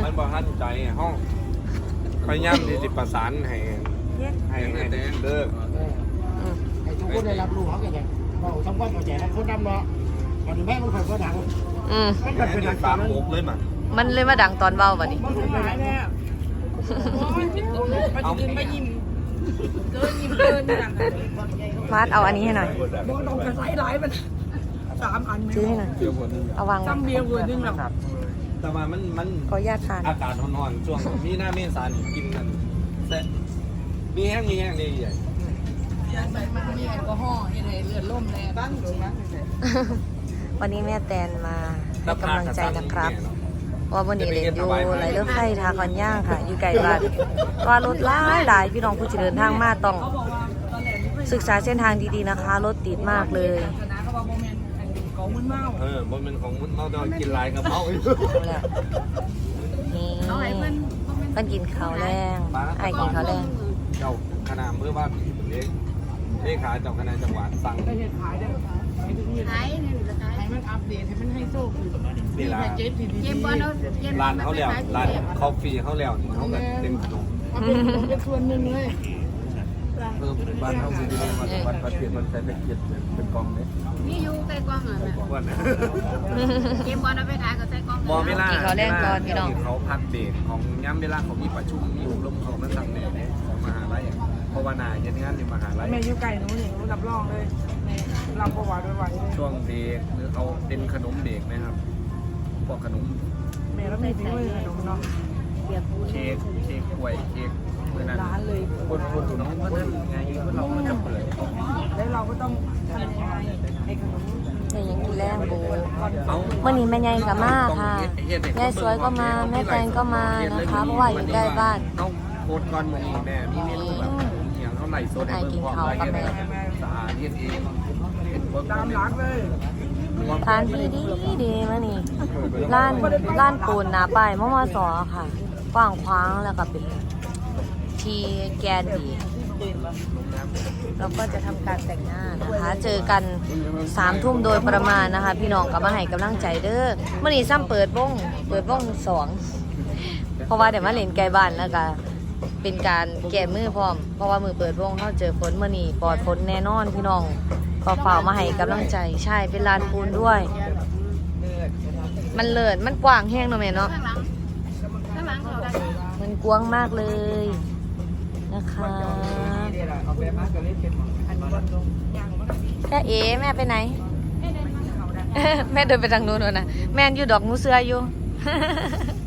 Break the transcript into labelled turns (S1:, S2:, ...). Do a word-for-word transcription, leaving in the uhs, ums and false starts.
S1: มันบอกท่านใจห้องพยายามที่จะประสานให้ให้ให้เลิก
S2: ให้ทุกคนได้รับรู้เขาแก่ๆเราทำความเข้าใจแล้วคนดำเนาะวันนี้แม่มันค่อยๆดัง
S3: อืม
S1: มันเป็นดังตามมุกเลยมั้ง
S3: มันเลยมาดังตอนเบาบัดนี้
S2: มันเป็นหายแล้ว
S4: เอาไปยิ้มเกินยิ้มเกินอย่าง
S3: ฟาดเอาอันนี้ให้หน่อย
S4: โดนต้องกระไซหลายมันสามอัน
S3: ซื้อให้หน่อยเอาวาง
S4: ตั้มเบียร์เวอร์นึงหรอ
S1: แต่ว่ามันมัน
S3: ขออนุญาตทาน
S1: อากาศร้อนๆช่วงมีหน้าเมษานี่กินกันแต่มีแห้งมีแห้งนี่ใหญ่
S4: ยาใส่มันมีแอลกอฮอล์ยังไงเลือดล่มแน่บ้างดูนะ
S3: วันนี้แม่แตนมาให้กำลังใจนะครับว่าวันนี้เรียนอยู่ไหลเลือดไฟทาคอนย่างค่ะอยู่ไกลบ้านว่ารถหลายหลายพี่น้องผู้เดินทางมาต้องศึกษาเส้นทางดีๆนะคะรถติดมากเลย
S4: ของมึนเมา
S1: เออมันเป็นของมึนเมาแต่กินลายกับเมาอีก
S3: นี่มันกินข้าวแรงไอ้กินข้าวแรง
S1: เจ้าคณะเมื่อว่าเล็กเลขาเจ้าคณะจังหวัดสั่ง
S4: ไปเห็ดขายได้ขายเนี่ยหรือขายให้มันอัปเดตให้มันให้โซ่คือ
S1: นี่ละ
S4: เกมบอล
S1: ร้านเขาแล้วร้านคอฟฟี่เขาแล้วเขาก็เต็มขนม
S4: เป็นส่วนหนึ่งเลย
S1: เออบ้านเขามีดีวันวันประเทศมันใช้เป็นเกียรติเป็นกองเลย
S4: นี่อยู่ใกล้กองเหรอเกมบอลเอาไปขายก็ใส่กอง
S1: บอลเวลา
S3: เขาแรงก่อนพี่น้อง
S1: เขาพักเบรกของย้ำเวลาเขามีประชุมมีอบรมเขามันสั่งเนี่ยของมหาลัยเพราะว่านาเย็นงานอยู่มหาลัย
S4: แม่อยู่ไก่หนูหนิงรู้รับรองเลยรับประวัติไว้
S1: ช่วงเบรกหรือเขาเป็นขนมเบรกนะครับพวกขนม
S4: แม่แล้วมีด้วยขนมเนาะ
S1: เค้กเค้กกล้วยเค้กเมื่อนั้น
S4: ร้านเลย
S1: คนคนน้องก็นั่นไงคนเราก็จะเปิด
S4: แล้วเราก็ต้องทำยังไงไอ้ขนม
S3: แต่ยังกินแรงโบเมื่อนี้แม่ใหญ่กับมาค่ะยายสวยก็มาแม่แตงก็มานะคะเพราะว่าอยู่ใกล้บ้าน
S1: ต้องโคตรก่อนมือนี้แม่มีเมนูแบบอย่างเท่าไหร่โซนให้เบิ่งความละเอียดสะอาดเย็นเอง
S4: ตามหลักเลย
S3: ทานดีดีดีมานี่ร้านร้านปูนหนาไปมอมอสอค่ะกว้างขวางแล้วก็เป็นที่แกนดีเราก็จะทำการแต่งหน้านะคะเจอกันสามทุ่มโดยประมาณนะคะพี่น้องกับมาให้กำลังใจเด้อเมื่อนี้ซ้ำเปิดวงเปิดวงสองเพราะว่าเดี๋ยวมาเล่นไกลบ้านแล้วก็เป็นการแก้มือพร้อมเพราะว่ามือเปิดวงเขาเจอฝนเมื่อนี้ปลอดฝนแน่นอนพี่น้องก็ฝ่ามาให้กำลังใจใช่เป็นลานปูนด้วยมันเลิศมันกว้างแห้งเนาะแม่เนาะมันกว้างมากเลยนะคะแม่เอ๋แม่ไปไหนแม่เดินไปทางนู้นนะแม่อยู่ดอกงูเสืออยู่